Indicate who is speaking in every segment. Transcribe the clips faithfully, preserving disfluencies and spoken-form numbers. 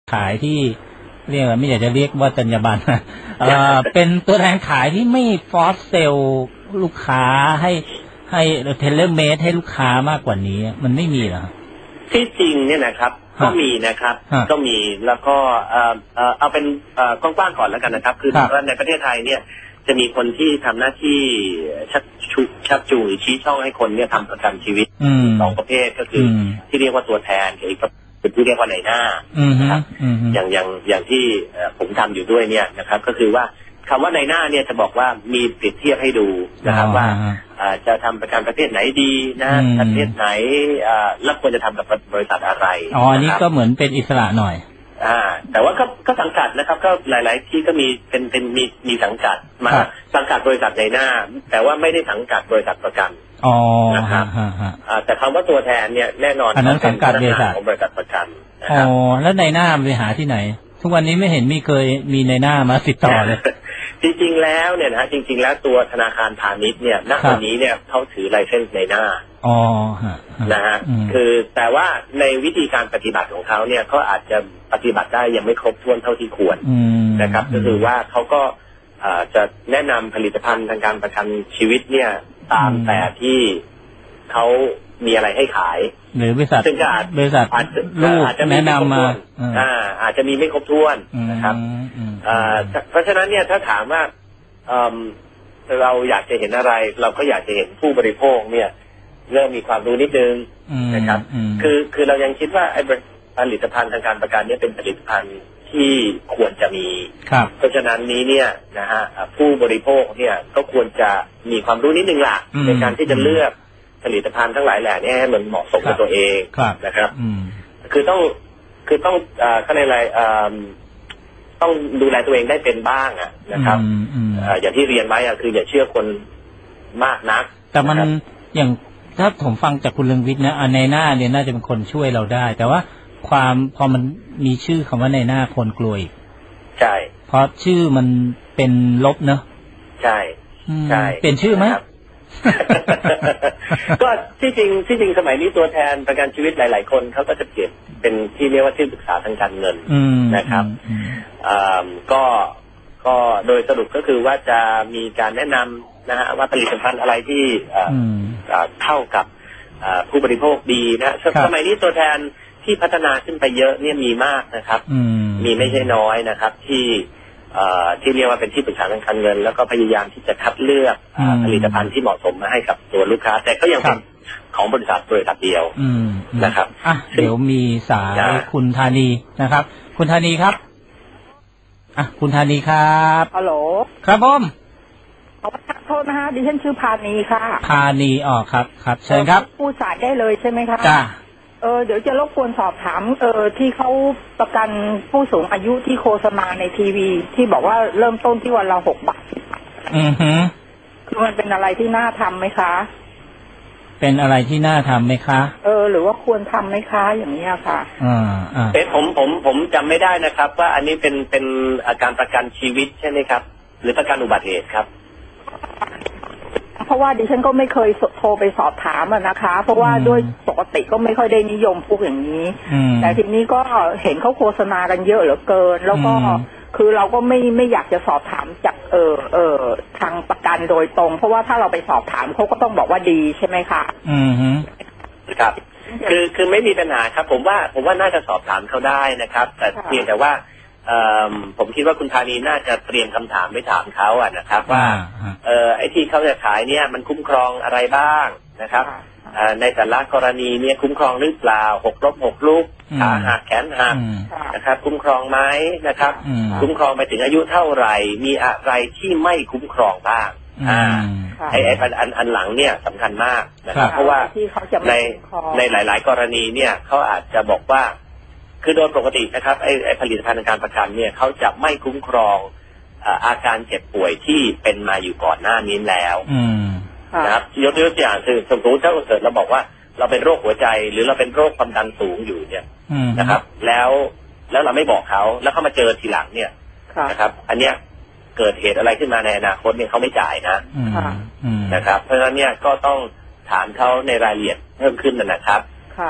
Speaker 1: ขายที่เรียกไม่อยากจะเรียกว่าจรรยาบรรณเอ่อเป็นตัวแทนขายที่ไม่ฟอสเซลลูกค้าให้ให้เทเลเมดให้ลูกค้ามากกว่านี้มันไม่มีเหรอ
Speaker 2: ที่จริงเนี่ยนะครับก็มีนะครับก็มีแล้วก็เอ่อเอ่อเอาเป็นเอ่อกว้างๆก่อนแล้วกันนะครับคือว่าในประเทศไทยเนี่ยจะมีคนที่ทำหน้าที่ชักชูชักจูงหรือชี้ช่องให้คนเนี่ยทำประกันชีวิตสองประเภทก็คือที่เรียกว่าตัวแทนกับอีกเป็นที่เรียกว่าในหน้านะครับอย่างอย่างอย่างที่ผมทำอยู่ด้วยเนี่ยนะครับก็คือว่าคำว่าในหน้าเนี่ยจะบอกว่ามีเปรียบเทียบให้ดูนะครับว่าจะทำประกันประเภทไหนดีนะประเภทไหนแล้วควรจะทำกับบริษัทอะไร
Speaker 1: อ๋ออันนี้ก็เหมือนเป็นอิสระหน่อย
Speaker 2: อ่าแต่ว่าก็ก็สังกัดนะครับก็หลายๆที่ก็มีเป็นเป็นมีมีสังกัดมาสังกัดบริษัทในหน้าแต่ว่าไม่ได้สังกัดบริษัทประกัน
Speaker 1: อ๋อ
Speaker 2: นะครับแต่คำว่าตัวแทนเนี่ยแน่นอน
Speaker 1: อันนั้นสังกัดบริษัท
Speaker 2: ของบริษัทประกัน
Speaker 1: อ๋อแล้วในหน้าไปหาที่ไหนทุกวันนี้ไม่เห็นมีเคยมีในหน้ามาติดต่อเลย
Speaker 2: จริงๆแล้วเนี่ยนะฮะจริงๆแล้วตัวธนาคารพาณิชย์เนี่ยณวันนี้เนี่ยเขาถือไลเซนส์ในหน้า
Speaker 1: อ๋อ
Speaker 2: นะฮะคือแต่ว่าในวิธีการปฏิบัติของเขาเนี่ยเขาอาจจะปฏิบัติได้ยังไม่ครบถ้วนเท่าที่ควรนะครับก็คือว่าเขาก็จะแนะนำผลิตภัณฑ์ทางการประกันชีวิตเนี่ยตามแต่ที่เขามีอะไรให้ขาย
Speaker 1: หรือบริษัท
Speaker 2: ซึ่งก็อาจ
Speaker 1: บริษัทลูกแนะนำมา
Speaker 2: อ่าอาจจะมีไม่ครบถ้วนนะครับเพราะฉะนั้นเนี่ยถ้าถามว่าเราอยากจะเห็นอะไรเราก็อยากจะเห็นผู้บริโภคเนี่ยเริ่มมีความรู้นิดนึงนะครับคือคือเรายังคิดว่าไอ้ผลิตภัณฑ์ทางการประกันเนี่ยเป็นผลิตภัณฑ์ที่ควรจะมีเพราะฉะนั้นนี้เนี่ยนะฮะผู้บริโภคเนี่ยก็ควรจะมีความรู้นิดนึงล่ะในการที่จะเลือกผลิตภัณฑ์ทั้งหลายแหล่นี้ให้มันเหมาะสมกับตัวเองนะครับคือต้องคือต้องข้างในอะไรต้องดูแลตัวเองได้เป็นบ้างอ่ะนะครับอย่างที่เรียนไว้อ่ะคืออย่าเชื่อคนมากนัก
Speaker 1: แต่มันอย่างถ้าผมฟังจากคุณเรืองวิทย์นะในหน้าเนี่ยน่าจะเป็นคนช่วยเราได้แต่ว่าความพอมันมีชื่อคำว่าในหน้าคนกลัวอีก
Speaker 2: ใช่
Speaker 1: เพราะชื่อมันเป็นลบเนอะ
Speaker 2: ใช่ใช่
Speaker 1: เปลี่ยนชื่อไหม
Speaker 2: ก็ที่จริงที่จริงสมัยนี้ตัวแทนประกันชีวิตหลายๆคนเขาก็จะเปลี่ยนเป็นที่เรียกว่าที่ปรึกษาทางการเงินนะครับก็ก็โดยสรุปก็คือว่าจะมีการแนะนำนะฮะว่าผลิตภัณฑ์อะไรที่เข้ากับผู้บริโภคดีนะสมัยนี้ตัวแทนที่พัฒนาขึ้นไปเยอะเนี่ยมีมากนะครับมีไม่ใช่น้อยนะครับที่ที่เรียกว่าเป็นที่ปรึกษาทางการเงินแล้วก็พยายามที่จะคัดเลือกผลิตภัณฑ์ที่เหมาะสมมาให้กับตัวลูกค้าแต่ก็ยังเป็นของบริษัทบริษัทเดียวนะครับ
Speaker 1: อ่ะเดี๋ยวมีสายคุณธานีนะครับคุณธานีครับอ่ะคุณธานีครับ
Speaker 3: ฮัลโหล
Speaker 1: ครับผม
Speaker 3: ขอโทษนะฮะดิฉันชื่อพานีค่ะ
Speaker 1: พานีอ๋อครับครับเชิญครับ
Speaker 3: พูดสายได้เลยใช่ไหมครับ
Speaker 1: จ้า
Speaker 3: เออเดี๋ยวจะรบกวนสอบถามเออที่เขาประกันผู้สูงอายุที่โฆษณาในทีวีที่บอกว่าเริ่มต้นที่วันละหกบาท
Speaker 1: อือฮึ
Speaker 3: คือมันเป็นอะไรที่น่าทำไหมคะ
Speaker 1: เป็นอะไรที่น่าทำไหมคะ
Speaker 3: เออหรือว่าควรทำไหมคะอย่างนี้ค่ะ
Speaker 1: อ่าอ่า
Speaker 2: เอ๊ะผมผมผมจำไม่ได้นะครับว่าอันนี้เป็นเป็นอาการประกันชีวิตใช่ไหมครับหรือประกันอุบัติเหตุครับ
Speaker 3: เพราะว่าดิฉันก็ไม่เคยโทรไปสอบถามนะคะเพราะว่าด้วยปกติก็ไม่ค่อยได้นิยมพวกอย่างนี้แต่ทีนี้ก็เห็นเขาโฆษณากันเยอะเหลือเกินแล้วก็คือเราก็ไม่ไม่อยากจะสอบถามจากเออเออทางประกันโดยตรงเพราะว่าถ้าเราไปสอบถามเขาก็ต้องบอกว่าดีใช่ไหมคะ
Speaker 1: อืม
Speaker 2: ครับคือคือไม่มีปัญหาครับผมว่าผมว่าน่าจะสอบถามเขาได้นะครับแต่เพียงแต่ว่าผมคิดว่าคุณธานีน่าจะเตรียมคำถามไปถามเขาอ่ะนะครับว่าเออไอ้ที่เขาจะขายเนี่ยมันคุ้มครองอะไรบ้างนะครับในแต่ละกรณีเนี่ยคุ้มครองหรือเปล่าหกล้มหกลุกขาหักแขนหักนะครับคุ้มครองไหมนะครับคุ้มครองไปถึงอายุเท่าไหร่มีอะไรที่ไม่คุ้มครองบ้างอ่าไอ้ไอ้อันอันหลังเนี่ยสำคัญมากนะครับเพราะว่าในในหลายๆกรณีเนี่ยเขาอาจจะบอกว่าคือโดยปกตินะครับไอ้ไอ้ผลิตภัณฑ์การประกันเนี่ยเขาจะไม่คุ้มครองอาการเจ็บป่วยที่เป็นมาอยู่ก่อนหน้านี้แล้วนะครับยกตัวอย่างคือสมมติถ้าเกิดเราบอกว่าเราเป็นโรคหัวใจหรือเราเป็นโรคความดันสูงอยู่เนี่ยนะครับแล้วแล้วเราไม่บอกเขาแล้วเขามาเจอทีหลังเนี่ยนะครับอันเนี้ยเกิดเหตุอะไรขึ้นมาในอนาคตเนี่ยเขาไม่จ่ายนะนะครับเพราะฉะนั้นเนี่ยก็ต้องถามเขาในรายละเอียดเพิ่มขึ้นนะครับ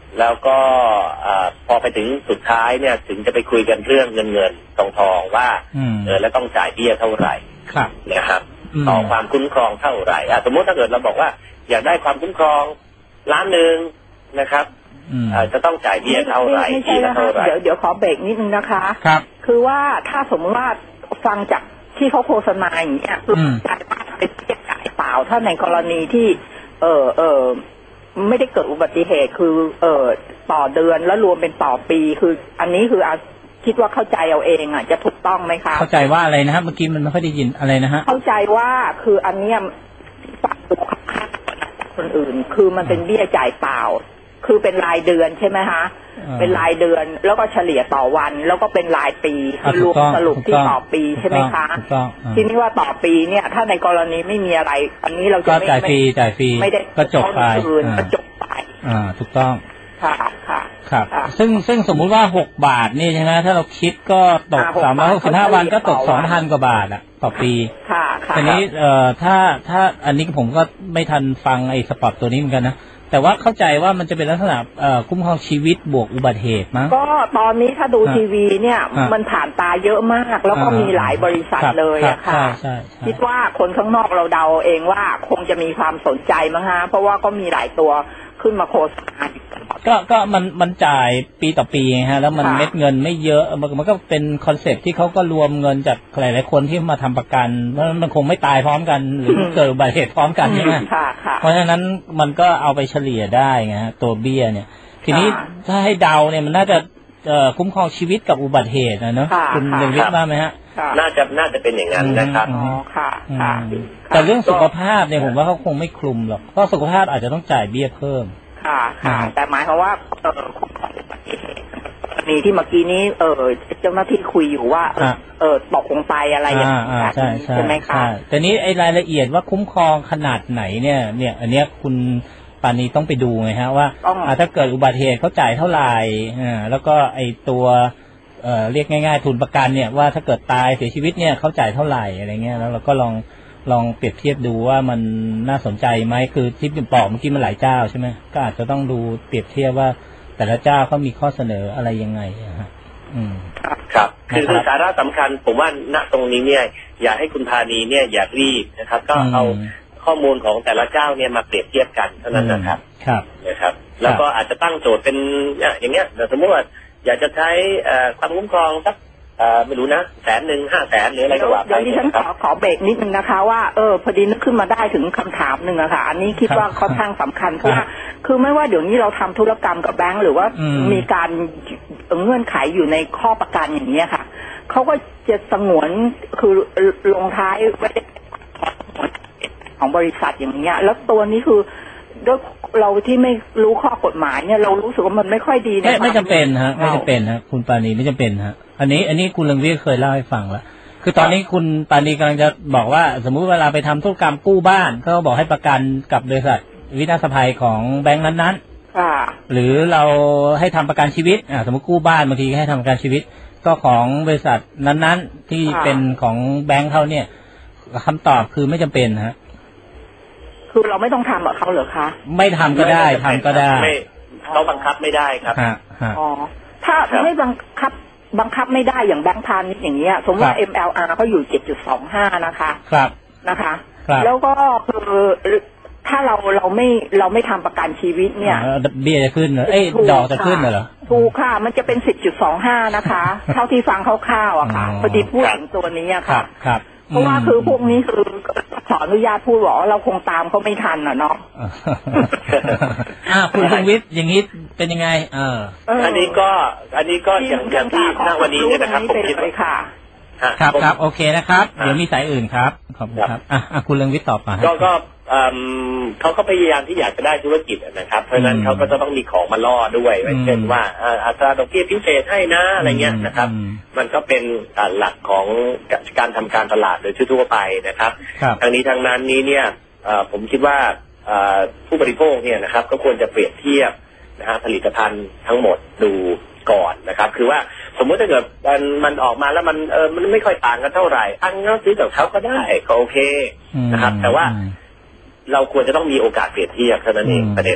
Speaker 2: แล้วก็พอไปถึงสุดท้ายเนี่ยถึงจะไปคุยกันเรื่องเงินเงินทองทองว่าเออแล้วต้องจ่ายเบี้ยเท่าไหร่นะครับต่อความคุ้มครองเท่าไหร่สมมติถ้าเกิดเราบอกว่าอยากได้ความคุ้มครองล้านหนึ่งนะครับจะต้องจ่ายเบี้ยเท่าไหร่ปีละเท่าไหร่
Speaker 3: เดี๋ยวเดี๋ยวขอเบรกนิดนึงนะคะ
Speaker 1: ครับ
Speaker 3: คือว่าถ้าสมมติว่าฟังจากที่เขาโฆษณาอย่างเงี้ยคือจ่ายเป็นเบี้ยจ่ายเปล่าถ้าในกรณีที่เออเออไม่ได้เกิดอุบัติเหตุคือเออต่อเดือนแล้วรวมเป็นต่อปีคืออันนี้คือคิดว่าเข้าใจเอาเองอ่ะจะถูกต้องไหมคะ
Speaker 1: เข้าใจว่าอะไรนะฮะเมื่อกี้มันไม่ค่อยได้ยินอะไรนะฮะ
Speaker 3: เข้าใจว่าคืออันเนี้ยปรับตัวค่าคนอื่นคือมันเป็นเบี้ยจ่ายเปล่าคือเป็นรายเดือนใช่ไหมคะเป็นรายเดือนแล้วก็เฉลี่ยต่อวันแล้วก็เป็นรายปีคือรวมสรุปที่ต่อปีใช่ไหมคะทีนี้ว่าต่อปีเนี่ยถ้าในกรณีไม่มีอะไรอันนี้เราจะไม่
Speaker 1: จ่ายฟรีจ่ายฟรี
Speaker 3: ไม่ได้
Speaker 1: ก็จบไป
Speaker 3: ก็จบไป
Speaker 1: อ่าถูกต้อง
Speaker 3: ค่ะค่ะ
Speaker 1: ครับซึ่งซึ่งสมมุติว่าหกบาทนี่ใช่ไหมถ้าเราคิดก็ตกสามร้อยหกสิบห้าวันก็ตกสองพันกว่าบาทอ่ะต่อปี
Speaker 3: ค่ะค่ะ
Speaker 1: ทีนี้เอ่อถ้าถ้าอันนี้ผมก็ไม่ทันฟังไอ้สปอตตัวนี้เหมือนกันนะแต่ว่าเข้าใจว่ามันจะเป็นลักษณะเอ่อคุ้มครองชีวิตบวกอุบัติเหตุมั้ง
Speaker 3: ก็ตอนนี้ถ้าดูทีวีเนี่ยมันผ่านตาเยอะมากแล้วก็มีหลายบริษัทเลยอะค่ะคิดว่าคนข้างนอกเราเดาเองว่าคงจะมีความสนใจมั้งฮะเพราะว่าก็มีหลายตัวขึ้นมาโฆษณา
Speaker 1: ก็ก็มันมันจ่ายปีต่อปีฮะแล้วมันเม็ดเงินไม่เยอะมันมันก็เป็นคอนเซ็ปต์ที่เขาก็รวมเงินจากหลายๆคนที่มาทำประกันเพราะมันคงไม่ตายพร้อมกันหรือเกิดอุบัติเหตุพร้อมกันใช่ไหมเพราะฉะนั้นมันก็เอาไปเฉลี่ยได้ไงฮะตัวเบี้ยเนี่ยทีนี้ถ้าให้เดาเนี่ยมันน่าจะคุ้มครองชีวิตกับอุบัติเหตุนะเนาะคุณเรียนวิทย์ว่าไหมฮะ
Speaker 2: น่าจะน่าจะเป็นอย่างนั้นนะครับ
Speaker 3: อ๋อค่ะ
Speaker 1: แต่เรื่องสุขภาพเนี่ยผมว่าเขาคงไม่คลุมหรอกเพราะสุขภาพอาจจะต้องจ่ายเบี้ยเพิ่ม
Speaker 3: ค่ะค่ะแต่หมายความว่าเออคุ้มครองอุบัติเหตุมีที่เมื่อกี้นี้เออเจ้าหน้าที่คุยอยู่ว่าเออตกลงไปอะไรอย่างนี้ใช่ไหมคะ
Speaker 1: แต่นี้ไอ้รายละเอียดว่าคุ้มครองขนาดไหนเนี่ยเนี่ยอันเนี้ยคุณปานีต้องไปดูไงฮะว่าถ้าเกิดอุบัติเหตุเขาจ่ายเท่าไหร่อ่าแล้วก็ไอ้ตัวเอ่อเรียกง่ายๆทุนประกันเนี่ยว่าถ้าเกิดตายเสียชีวิตเนี่ยเขาจ่ายเท่าไหร่อะไรเงี้ยแล้วเราก็ลองลองเปรียบเทียบดูว่ามันน่าสนใจไหมคือที่เป็นปอกเมื่อกี้มันหลายเจ้าใช่ไหมก็อาจจะต้องดูเปรียบเทียบว่าแต่ละเจ้าเขามีข้อเสนออะไรยังไงฮะอืม
Speaker 2: ครับคือสาระสำคัญผมว่าณตรงนี้เนี่ยอยากให้คุณพานีเนี่ยอย่ารีบนะครับก็เอาข้อมูลของแต่ละเจ้าเนี่ยมาเปรียบเทียบกันเท่านั้นนะครับ
Speaker 1: ครับ
Speaker 2: นะครับแล้วก็อาจจะตั้งโจทย์เป็นอย่างเงี้ยสมมติว่าอยากจะใช้ความคุ้มครองสักไม่รู้นะแสนหนึ่งห้าแสนหรืออะไรก็ว่าไป
Speaker 3: เดี๋ยวดิฉันขอขอเบรกนิดนึงนะคะว่าเออพอดีนึกขึ้นมาได้ถึงคำถามหนึ่งอะค่ะอันนี้คิดว่าค่อนข้างสำคัญเพราะว่าคือไม่ว่าเดี๋ยวนี้เราทำธุรกรรมกับแบงก์หรือว่ามีการเงื่อนไขอยู่ในข้อประกันอย่างนี้ค่ะเขาก็จะสงวนคือลงท้ายไว้ของบริษัทอย่างเงี้ยแล้วตัวนี้คือด้วยเราที่ไม่รู้ข้อกฎหมายเนี่ยเรารู้สึกว่ามันไม่ค่อยดีนะ
Speaker 1: ไม่ไม่จำเป็นฮะไม่จำเป็นฮะคุณปานีไม่จำเป็นฮะอันนี้อันนี้คุณเรืองวิทย์เคยเล่าให้ฟังแล้วคือตอนนี้คุณปานีกำลังจะบอกว่าสมมุติเวลาไปทำธุรกรรมกู้บ้านเขาบอกให้ประกันกับบริษัทวินาศภัยของแบงก์นั้นๆหรือเราให้ทำประกันชีวิตอ่าสมมติกู้บ้านบางทีให้ทำประกันชีวิตก็ของบริษัทนั้นๆที่เป็นของแบงก์เขาเนี่ยคำตอบคือไม่จำเป็นฮะ
Speaker 3: คือเราไม่ต้องทำกับเขาเหรอคะ
Speaker 1: ไม่ทำก็ได้ทำก็ได้
Speaker 2: เขาบังคับไม่ได้ครับ
Speaker 3: อ๋อถ้าไม่บังคับบังคับไม่ได้อย่างแบงก์พาณิชย์อย่างเงี้ยสมมติว่า เอ็ม แอล อาร์ เขาอยู่ เจ็ดจุดสองห้า นะคะ
Speaker 1: ครับ
Speaker 3: นะคะแล้วก็คือถ้าเราเราไม่เราไม่ทำประกันชีวิตเนี่ย
Speaker 1: เบี้ยจะขึ้นเหรอเอ้ยดอกจะขึ้นเหรอ
Speaker 3: ถูกค่ะมันจะเป็น สิบจุดสองห้า นะคะเท่าที่ฟังคร่าวๆอะค่ะพอดีพูดถึงตัวนี้อะค่ะ
Speaker 1: ครับ
Speaker 3: เพราะว่าคือพวกนี้คือขออนุญาตพูดว่าเราคงตามเขาไม่ทันอ่ะเนาะ
Speaker 1: อ่าคุณพงวิทย์อย่างนี้เป็นยังไงเออ
Speaker 2: อันนี้ก็อันนี้ก็อย่างอย่างที่ณวันนี้เนี่ยนะครับผมคิดว่า
Speaker 3: ค่ะ
Speaker 1: ครับครับโอเคนะครับเดี๋ยวมีสายอื่นครับขอบคุณครับอ่ะคุณเรืองวิทย์ตอบมา
Speaker 2: ก็ก็เขาก็พยายามที่อยากจะได้ธุรกิจนะครับเพราะฉะนั้นเขาก็จะต้องมีของมาล่อด้วยเช่นว่าอัตราดอกเบี้ยพิเศษให้นะอะไรเงี้ยนะครับมันก็เป็นหลักของการทำการตลาดโดยทั่วไปนะครับทางนี้ทางนั้นนี้เนี่ยผมคิดว่าผู้บริโภคเนี่ยนะครับก็ควรจะเปรียบเทียบนะฮะผลิตภัณฑ์ทั้งหมดดูก่อนนะครับคือว่าสมมติถ้าเกิดมันมันออกมาแล้วมันเออมันไม่ค่อยต่างกันเท่าไหร่อันงั้นซื้อกับเขาก็ได้ก็โอเคนะครับแต่ว่าเราควรจะต้องมีโอกาสเปรียบเทียบเท่านั้นเองประเด็น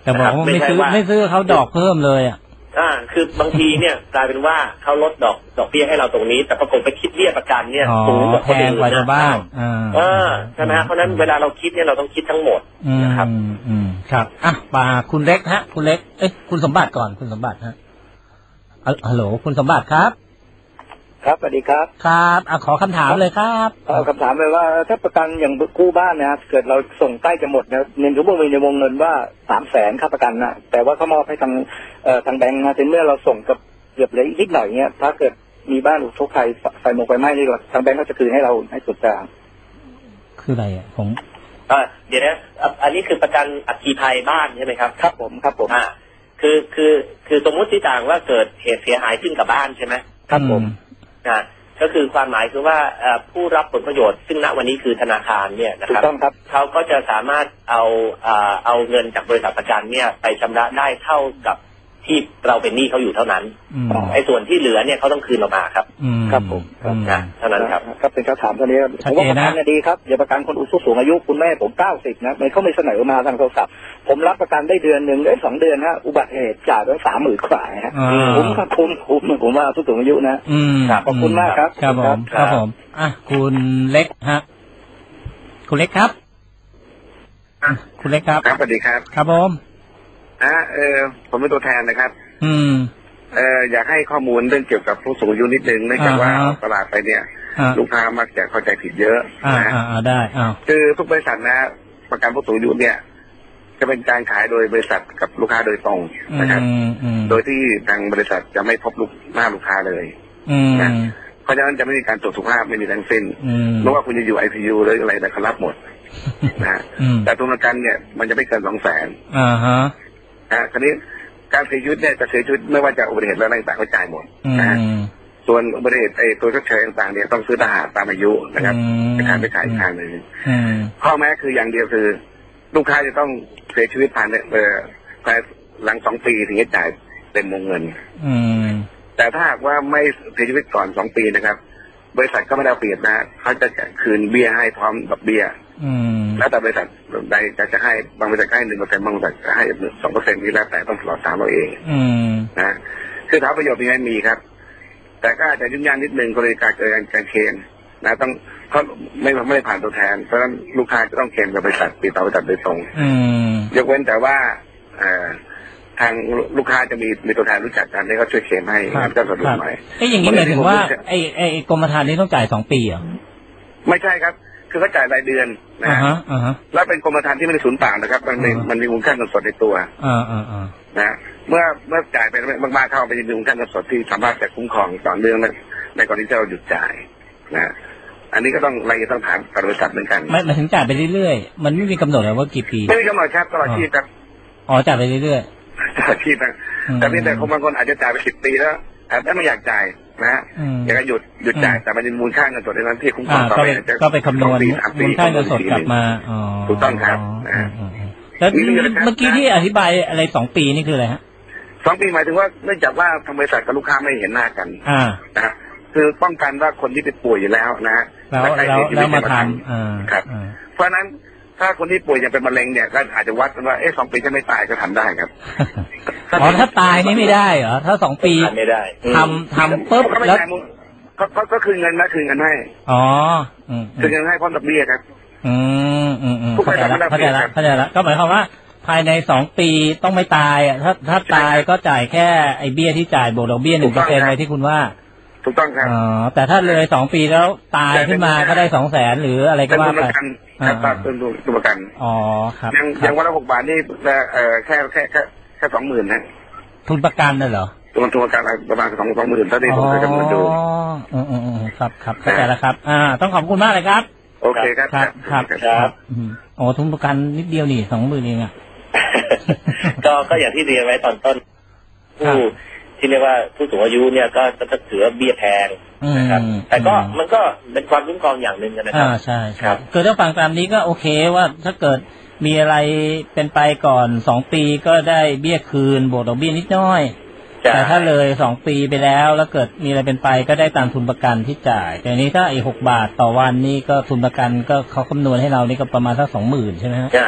Speaker 1: แต่บอกว่าไม่ซื้อไม่ซื้อเขาดอกเพิ่มเลยอ่ะ
Speaker 2: อ่าคือบางทีเนี่ยกลายเป็นว่าเขาลดดอกดอกเบี้ยให้เราตรงนี้แต่ปรากฏไปคิดเบี้ยประกันเนี่ยสูงกว่าคนอื่นนะ
Speaker 1: บ้าง
Speaker 2: อ่าใช่ไหมฮะเพราะนั้นเวลาเราคิดเนี่ยเราต้องคิดทั้งหมดนะครับ
Speaker 1: อืมครับอ่ะมาคุณเล็กฮะคุณเล็กเอ้ยคุณสมบัติก่อนคุณสมบัติฮะฮัลโหลคุณสมบัติครับ
Speaker 4: ครับสวัสดีครับ
Speaker 1: ครับอ่ะขอคำถามเลยครับ
Speaker 4: เอาคำถามเลยว่าถ้าประกันอย่างกู้บ้านนะเกิดเราส่งใกล้จะหมดนะเงินเขาบอกมีในวงเงินว่าสามแสนค่าประกันนะแต่ว่าเขามอบให้ทางเอ่อทางแบงก์นะถึงเมื่อเราส่งกับเกือบเหลืออีกนิดหน่อยเนี้ยถ้าเกิดมีบ้านถูกทุกข์ภัยไฟไหม้ไฟไหม้นี่ทางแบงก์เขาจะคืนให้เราให้ส่วนต่าง
Speaker 1: คืออะไรอ่ะผม
Speaker 2: อ่าเดี๋ยวนะอันนี้คือประกันอัคคีภัยบ้านใช่ไหมครับ
Speaker 4: ครับผมครับผม
Speaker 2: อ่าคือคือคือสมมติที่ต่างว่าเกิดเหตุเสียหายขึ้นกับบ้านใช่ไหม
Speaker 4: ครับผม
Speaker 2: อ่าก็คือความหมายคือว่าผู้รับผลประโยชน์ซึ่งณวันนี้คือธนาคารเนี่ยนะครับเขาก็จะสามารถเอาเอาเงินจากบริษัทประกันเนี่ยไปชำระได้เท่ากับที่เราเป็นหนี้เขาอยู่เท่านั้นไอ้ส่วนที่เหลือเนี่ยเขาต้องคืนเรามาครับ
Speaker 4: ครับผม
Speaker 2: นะเท่านั้นครับ
Speaker 4: ครับเป็นคำถามเท่านี้ผมว่าประกันดีครับอย่าประกันคนผู้สูงอายุคุณแม่ผมเก้าสิบนะไม่เขาไม่เสนอมาทางโทรศัพท์ผมรับประกันได้เดือนหนึ่งได้สองเดือนฮะอุบัติเหตุจ่ายไปสามหมื่นกว่าฮะคุ้มครับคุ้มคุ้มผมว่าผู้สูงอายุนะขอบคุณมากครับ
Speaker 1: ครับผมครับผมอ่ะคุณเล็กฮะคุณเล็กครับคุณเล็กครับ
Speaker 5: ครับสวัสดีครับ
Speaker 1: ครับผม
Speaker 5: อ่าเออผมเป็นตัวแทนนะครับ
Speaker 1: อืม
Speaker 5: เอออยากให้ข้อมูลเรื่องเกี่ยวกับผู้สูงอายุนิดนึงเนื่องจากว่าตลาดไปเนี่ยลูกค้ามักจะเข้าใจผิดเยอะ
Speaker 1: นะอ่าได้อ่า
Speaker 5: คือทุกบริษัทนะประกันผู้สูงอายุเนี่ยจะเป็นการขายโดยบริษัทกับลูกค้าโดยตรงนะครับโดยที่ทางบริษัทจะไม่พบลูกหน้าลูกค้าเลยนะเพราะฉะนั้นจะไม่มีการตรวจสุขภาพไม่มีทั้งสิ้นไม่ว่าคุณจะอยู่ไอซียูหรืออะไรแต่เขารับหมดนะแต่ตัวประกันเนี่ยมันจะไม่เกินสองแสน
Speaker 1: อ่าฮะ
Speaker 5: อ่าคราวนี้การเสียชีวิตเนี่ยจะเสียชีวิตไม่ว่าจะอุบัติเหตุและอะไรต่างๆก็จ่ายหมดนะส่วนอุบัติเหตุไอ้ตัวชดเชยต่างๆเนี่ยต้องซื้อทหารตามอายุนะครับไปขายไปขายอีกทางหนึ่งข้อแม้คืออย่างเดียวคือลูกค้าจะต้องเสียชีวิตภายในเอ่อภายหลังสองปีถึงจะจ่ายเป็นวงเงินแต่ถ้าหากว่าไม่เสียชีวิตก่อนสองปีนะครับบริษัทก็ไม่ได้เปรียบนะเขาจะคืนเบี้ยให้พร้อมดอกเบี้ยแล้วแต่บริษัทใดจะจะให้บางบริษัทให้หนึ่งเปอร์เซ็นต์บางบริษัทจะให้สองเปอร์เซ็นต์นี้แล้วแต่ต้องสอบถามเราเองนะคือถามประโยชน์มีไหมมีครับแต่ก็อาจจะยุ่งยากนิดนึงกรณีการเกิดการเคลมนะต้องเขาไม่ไม่ได้ผ่านตัวแทนเพราะฉะนั้นลูกค้าจะต้องเคลมกับบริษัทติดต่อบริษัทโดยตรงยกเว้นแต่ว่าทางลูกค้าจะมีมีตัวแทนรู้จักกันให้เขาช่วยเคลมให้ก็สะดวกหน่อย
Speaker 1: ไอ้อย่างนี้หมายถึงว่าไอ้ไอ้กรมธรรม์นี้ต้องจ่ายสองปีเหรอ
Speaker 5: ไม่ใช่ครับคือเขาจ่ายรายเดือนนะแล้วเป็นกรมธรรม์ที่ไม่ได้สูญเปล่านะครับมันมีมันมีมูลค่าเงินสดในตัวนะเมื่อเมื่อจ่ายไปมากๆเข้าไปมีมูลค่าเงินสดที่สามารถจะคุ้มครองต่อเนื่องในกรณีที่เราหยุดจ่ายนะอันนี้ก็ต้องรายละเอียดต้องถามกับบริษัทเหมือนกัน
Speaker 1: ไม่มาถึงจ่ายไปเรื่อยๆมันไม่มีกำหนดเลยว่ากี่ปี
Speaker 5: ไม่มีกำหนดครับตลอดชีพครับ
Speaker 1: อ๋อจ่ายไปเรื่อย
Speaker 5: ๆตลอดชีพนะแต่เพียงแต่คนบางคนอาจจะจ่ายไปสิบปีแล้วแต่ไม่อยากจ่ายนะฮะอยากจะหยุดหยุดจ่ายแต่มันมีมูลค่าเงินสดในนั้นที่คุ้มครองต่อไป
Speaker 1: ก็ไปคำนวณมูลค่าเงินสดกลับมา
Speaker 5: ถูกต้องครับ
Speaker 1: แล้วเมื่อกี้ที่อธิบายอะไรสองปีนี่คืออะไรฮะ
Speaker 5: สองปีหมายถึงว่าเนื่องจากว่าทางบริษัทกับลูกค้าไม่เห็นหน้ากันนะครับคือป้องกันว่าคนที่เป็นป่วยอยู่แล้วนะฮะ
Speaker 1: แล้วแล้วมาทำ
Speaker 5: ครับเพราะนั้นถ้าคนที่ป่วยยังเป็นมะเร็งเนี่ยก็อาจจะวัดกันว่าเอ๊ะสองปีจะไม่ตายก็ทำได้ครับ
Speaker 1: อ๋อถ้าตายนี่ไม่ได้เหรอถ้าสองปี
Speaker 2: ไม่ได้
Speaker 1: ทำทำปุ๊บแล้ว
Speaker 5: ก็ก็คืนเงินนะคืนเงินให้
Speaker 1: อ๋อ
Speaker 5: คืนเงินให้พร้อมดอกเบี้ยครับ
Speaker 1: อืมอืมอืมเข้าใจแล้วเข้าใจแล้วเข้าใจแล้วก็หมายความว่าภายในสองปีต้องไม่ตายอ่ะถ้าถ้าตายก็จ่ายแค่ไอ้เบี้ยที่จ่ายบวกดอกเบี้ยหนึ่งเปอร์เซ็นต์อะไรที่คุณว่า
Speaker 5: ถูกต้องครับ
Speaker 1: อ๋อแต่ถ้าเลยสองปีแล้วตายขึ้นมาก็ได้สองแสนหรืออะไรก็ว่าไป
Speaker 5: ครับเป็นตัวประกัน
Speaker 1: อ๋อครับ
Speaker 5: ยังยังวันละหกบาทนี่เอ่อแค่แค่แค่แค่สองหมื่นนะ
Speaker 1: ทุนประกันน่ะเหรอ
Speaker 5: ทุนทุนประกันประมาณสองสองหมื่นเท่าที่ผมเคยคำนวณดู
Speaker 1: อ๋ออืมอืมครับครับเข้าใจแล้วครับอ่าต้องขอบคุณมากเลยครับ
Speaker 5: โอเคครับ
Speaker 1: ครับครับครับอ๋อทุนประกันนิดเดียวนี่สองหมื่นเองอ่ะ
Speaker 2: ก็ก็อย่างที่เรียนไว้ตอนต้นผู้ที่เรียกว่าผู้สูงอายุเนี่ยก็จะถือเบี้ยแพงนะครับแต่ก็มันก็เป็นความคุ้มครองอย่างหนึ่งนะครับ
Speaker 1: อ่าใช่ครับคือถ้าฟังตามนี้ก็โอเคว่าถ้าเกิดมีอะไรเป็นไปก่อนสองปีก็ได้เบี้ยคืนบวกดอกเบี้ยนิดน้อยแต่ถ้าเลยสองปีไปแล้วแล้วเกิดมีอะไรเป็นไปก็ได้ตามทุนประกันที่จ่ายแต่นี้ถ้าไอ้หกบาทต่อวันนี่ก็ทุนประกันก็เขาคำนวณให้เรานี่ก็ประมาณสักสองหมื่นใช่ไหมฮะ
Speaker 2: ใช่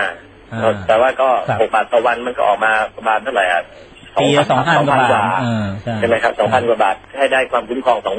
Speaker 2: แต่ว่าก็หกบาทต่อวันมันก็ออกมาประมาณเท่าไหร่อ่ะ
Speaker 1: ปีละสองพันกว่าบาท
Speaker 2: ใช่ไหมครับสองพันกว่าบาทให้ได้ความคุ้มครองสอง